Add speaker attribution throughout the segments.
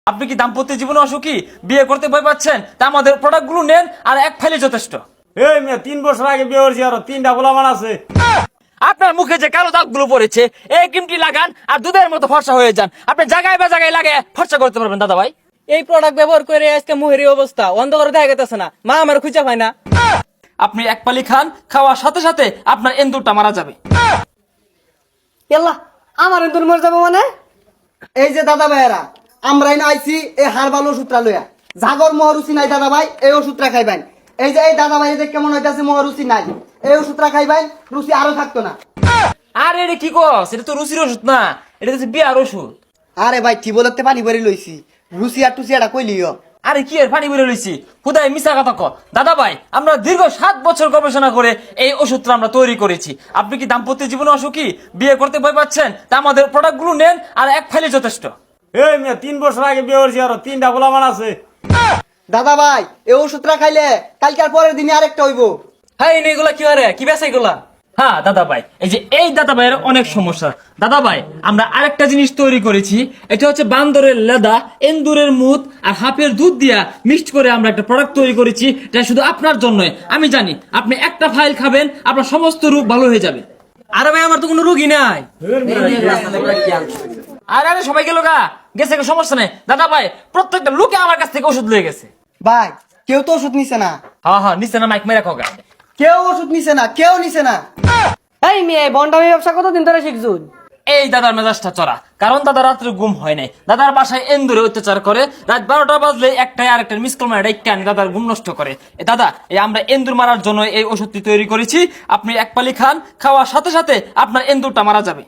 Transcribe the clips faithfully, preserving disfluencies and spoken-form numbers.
Speaker 1: আপনি কি দাম্পত্য জীবনে অসুখী, বিয়ে করতে ভয় পাচ্ছেন? তা আমাদের প্রোডাক্টগুলো নেন, আর এক ফাইলে যথেষ্ট।
Speaker 2: এই মেয়ে তিন বছর আগে বিয়ে করছি, আরো তিনটা গোলামান আছে।
Speaker 1: আপনার মুখে যে কালো দাগগুলো পড়েছে, এই ক্রিমটি লাগান আর দুধের মতো ফর্সা হয়ে যান। আপনি জায়গায় বা জায়গায় লাগে ফর্সা করতে পারবেন দাদা ভাই।
Speaker 3: এই প্রোডাক্ট ব্যবহার করে আজকে মুহেরি অবস্থা অন্ধকারে দেখা গেছে না, মা আমার খুঁজে পায় না।
Speaker 1: আপনি এক পালি খান, খাওয়ার সাথে সাথে আপনার এন্দুরটা মারা যাবে।
Speaker 4: এল্লা আমার এন্দুর মরে যাবো মানে? এই যে দাদা ভাইয়েরা, আমরা এনে আইছি এই হারবাল ওষুধটা লইয়া। জাগর মহরুচি নাই দাদা ভাই, এই ওষুধটা খাইবেন। এই যে এই দাদা ভাই যে কেমন হইতাছে, মহরুচি নাই, এই ওষুধটা খাইবেন, রুচি আরো থাকতো না।
Speaker 1: আরে এটা কি কস? এটা তো রুচির ওষুধ না, এটা হচ্ছে বিয়ার ওষুধ।
Speaker 4: আরে ভাই ঠিক বলতে পানি ভরে লইছি, রুচি আর টুচি এটা কইলিও।
Speaker 1: আরে কি এর পানি বেরো লইছি, খুদাই মিশা কথা ক। দাদা ভাই, আমরা দীর্ঘ সাত বছর গবেষণা করে এই ওষুধটা আমরা তৈরি করেছি। আপনি কি দাম্পত্য জীবনে অসুখী, বিয়ে করতে ভয় পাচ্ছেন? তা আমাদের প্রোডাক্টগুলো নেন, আর এক ফাইলে যথেষ্ট।
Speaker 2: এই মেয়ে তিন বছর আগে বিয়ে করছি, আরো তিনটা গোলামান আছে।
Speaker 4: দাদা ভাই এই ওষুধটা খাইলে কালকে আর পরের দিনে আরেকটা হইব।
Speaker 1: হ্যাঁ, এগুলা কি আরে কি বেছে এগুলা? হ্যাঁ দাদা ভাই, এই যে এই দাদা ভাইয়ের অনেক সমস্যা। দাদা ভাই, আমরা আরেকটা জিনিস তৈরি করেছি, এটা হচ্ছে বান্দরের লেদা, এন্দুরের মুত আর হাফের দুধ দিয়া মিক্সড করে আমরা একটা প্রোডাক্ট তৈরি করেছি। এটা শুধু আপনার জন্যই। আমি জানি আপনি একটা ফাইল খাবেন, আপনার সমস্ত রোগ ভালো হয়ে যাবে।
Speaker 3: আরে ভাই আমার তো কোনো রুগী নাই।
Speaker 1: আরে আরে সবাই গেল গা, গেছে গা, সমস্যা নেই। দাদা ভাই, প্রত্যেকটা লোকে আমার কাছ থেকে ওষুধ লয়ে গেছে।
Speaker 4: ভাই কেউ তো ওষুধ নিছে না,
Speaker 1: হ্যাঁ হ্যাঁ, নিচে না, মাইক মেরে খোগা।
Speaker 4: কেউ ওষুধ নিছে না, কেউ নিছে না।
Speaker 3: এই মেয়ে বন্ডামি ব্যবসা কতদিন ধরে শিখছুন?
Speaker 1: এই দাদার মেজাজটা চড়া, কারণ দাদা রাত্রে ঘুম হয় নাই। দাদার বাসায় এন্দুরে অত্যাচার করে, রাত বারোটা বাজলে একটাই আরেকটা মিস কল মারে ডাইকা আনি দাদার ঘুম নষ্ট করে। এ দাদা, এই আমরা এন্দুর মারার জন্য এই ওষুধটি তৈরি করেছি। আপনি এক পালি খান, খাওয়ার সাথে সাথে আপনার এন্দুরটা মারা যাবে।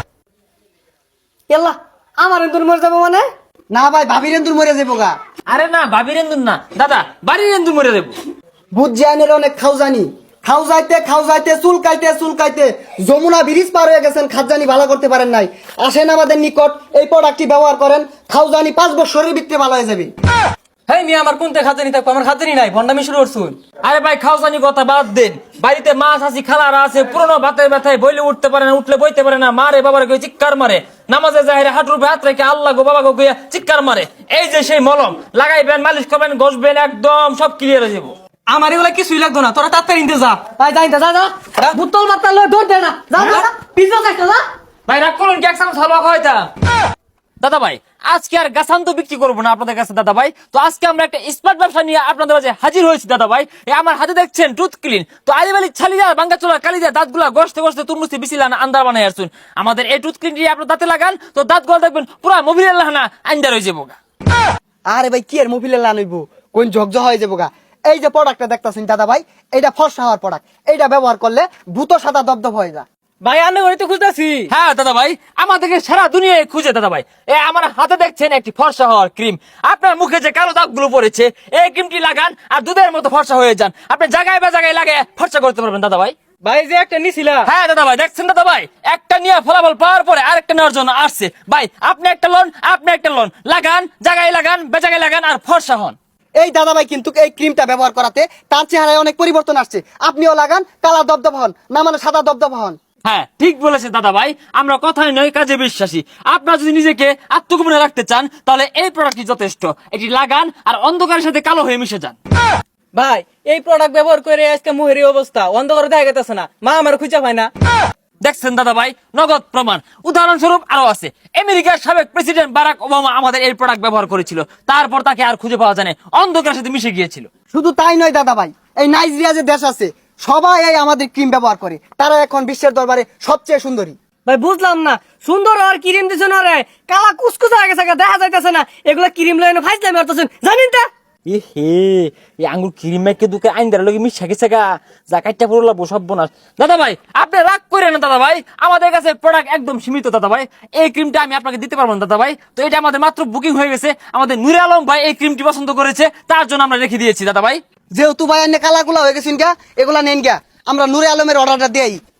Speaker 4: এল্লা আমার এন্দুর মরে যাবো মানে? না ভাই ভাবির এন্দুর মরে যাবো গা।
Speaker 1: আরে না, বাবির এন্দুর না দাদা, বাড়ির এন্দুর মরে দেবো।
Speaker 4: বুঝ জানের অনেক খাও জানি, খাও যাইতে খাও যাইতে চুল কাইতে চুল কাইতে যমুনা ব্রিজ পার হয়ে গেছেন, খাজানি ভালো করতে পারেন নাই। আসেন আমাদের নিকট, এই প্রোডাক্টটি ব্যবহার করেন, খাও জানি পাঁচ বছরের ভিতরে ভালো হয়ে যাবে।
Speaker 3: হেই মেয়ে আমার কোনতে খাজানি থাকবো, আমার খাজানি নাই, বন্ডামি শুরু করছুন।
Speaker 1: আরে ভাই, খাও জানি কথা বাদ দেন। বাড়িতে মাছ আছি, খালারা আছে, পুরনো ভাতের ব্যথায় বইলে উঠতে পারে না, উঠলে বইতে পারে না, মারে বাবার গিয়ে চিৎকার মারে। নামাজে যাহের হাঁটুর উপরে হাত রেখে আল্লাহ গো বাবা গো গিয়ে চিৎকার মারে। এই যে সেই মলম লাগাইবেন, মালিশ করবেন, ঘষবেন, একদম সব ক্লিয়ার হয়ে যাবো।
Speaker 3: আমার এগুলা কিছুই লাগতো না, তোরা তাড়াতাড়ি নিতে যা।
Speaker 4: ভাই যাই যা যা, বুতল মাত্রা লয়ে দৌড় দে না, যা যা পিছনে থাকতে যা।
Speaker 1: ভাই রাগ করুন কি, একসাথে হালুয়া খাওয়াইতা। দাদা ভাই, আজকে আর গাছান তো বিক্রি করবো না আপনাদের কাছে দাদা ভাই। তো আজকে আমরা একটা স্মার্ট ব্যবসা নিয়ে আপনাদের মাঝে হাজির হয়েছি দাদা ভাই। এই আমার হাতে দেখছেন টুথ ক্লিন। তো আলিবালি ছালিয়া বাঙ্গা চোলা কালিদা দাঁতগুলা গসতে গসতে তুরমুস্তি বিছিলান আন্দার বানাই আসুন। আমাদের এই টুথ ক্লিনটি আপনার দাঁতে লাগান, তো দাঁতগুলো দেখবেন পুরা মোবিলের লাহানা আন্দার হয়ে যাবো।
Speaker 4: আরে ভাই কি এর মোবিলে লানইবো, কোন ঝকঝ হয়ে যাবো গা। এই যে প্রোডাক্টটা দেখতাছেন দাদা ভাই, এইটা ফর্সা হওয়ার প্রোডাক্ট। এইটা ব্যবহার করলে ভূত সাদা দবদব হয়ে যায়।
Speaker 3: ভাই আমি ওই তো খুঁজতেছি।
Speaker 1: হ্যাঁ দাদা ভাই, আমাদেরকে সারা দুনিয়ায় খুঁজে দাদা ভাই। এই আমার হাতে দেখছেন একটি ফর্সা হওয়ার ক্রিম। আপনার মুখে যে কালো দাগগুলো পড়েছে, এই ক্রিমটি লাগান আর দুধের মতো ফর্সা হয়ে যান। আপনি জায়গায় বা জায়গায় লাগে ফর্সা করতে পারবেন দাদা ভাই।
Speaker 3: ভাই যে একটা নিছিলা।
Speaker 1: হ্যাঁ দাদা ভাই, দেখছেন দাদা ভাই, একটা নিয়ে ফলাফল পাওয়ার পরে আরেকটা নেওয়ার জন্য আসছে ভাই। আপনি একটা লোন, আপনি একটা লোন লাগান, জায়গায় লাগান, বেজাগায় লাগান আর ফর্সা হন।
Speaker 4: এই দাদা ভাই কিন্তু এই ক্রিমটা ব্যবহার করাতে তার চেহারায় অনেক পরিবর্তন আসছে। আপনিও লাগান, কালা দবদব হন, না মানে সাদা দবদব হন।
Speaker 1: হ্যাঁ ঠিক বলেছে দাদা ভাই, আমরা কথাই নয় কাজে বিশ্বাসী। আপনারা যদি নিজেকে আত্মগোপনে রাখতে চান, তাহলে এই প্রোডাক্টটি যথেষ্ট। এটি লাগান আর অন্ধকারের সাথে কালো হয়ে মিশে যান।
Speaker 3: ভাই এই প্রোডাক্ট ব্যবহার করে আজকে মুহেরি অবস্থা অন্ধকারে দেখা গেছে না, মা আমার খুঁজে পায় না।
Speaker 1: দেখছেন দাদা ভাই, নগদ প্রমাণ। উদাহরণস্বরূপ আরো আছে। আমেরিকার সাবেক প্রেসিডেন্ট বারাক ওবামা আমাদের এই প্রোডাক্ট ব্যবহার করেছিল, তারপর তাকে আর খুঁজে পাওয়া যায় না, অন্ধকারের সাথে মিশে গিয়েছিল।
Speaker 4: শুধু তাই নয় দাদা ভাই, এই নাইজেরিয়া যে দেশ আছে সবাই এই আমাদের ক্রিম ব্যবহার করে, তারা এখন বিশ্বের দরবারে সবচেয়ে সুন্দরী।
Speaker 3: ভাই বুঝলাম না, সুন্দর আর ক্রিম দিছ না রে, কালা কুচকুচ হয়ে গেছে, দেখা যাইতেছে না। এগুলা ক্রিম লইনে ফাইজলাই মারতেছেন জানেন তা?
Speaker 1: এ হে, এই আঙ্গুর ক্রিম মেখে দুকে আইন দাঁড়া লোক মিশা গেছে গা, যা কাটটা পড়লো সব বোনাস। দাদা ভাই আপনি রাগ করেন না দাদা ভাই, আমাদের কাছে প্রোডাক্ট একদম সীমিত দাদা ভাই। এই ক্রিমটা আমি আপনাকে দিতে পারবো না দাদা ভাই। তো এটা আমাদের মাত্র বুকিং হয়ে গেছে, আমাদের নূরে আলম ভাই এই ক্রিমটি পছন্দ করেছে, তার জন্য আমরা রেখে দিয়েছি দাদা ভাই।
Speaker 4: যেহেতু ভাই এনে কালাগুলা হয়ে গেছেন গা, এগুলা নেন গা, আমরা নূরে আলমের অর্ডারটা দেই।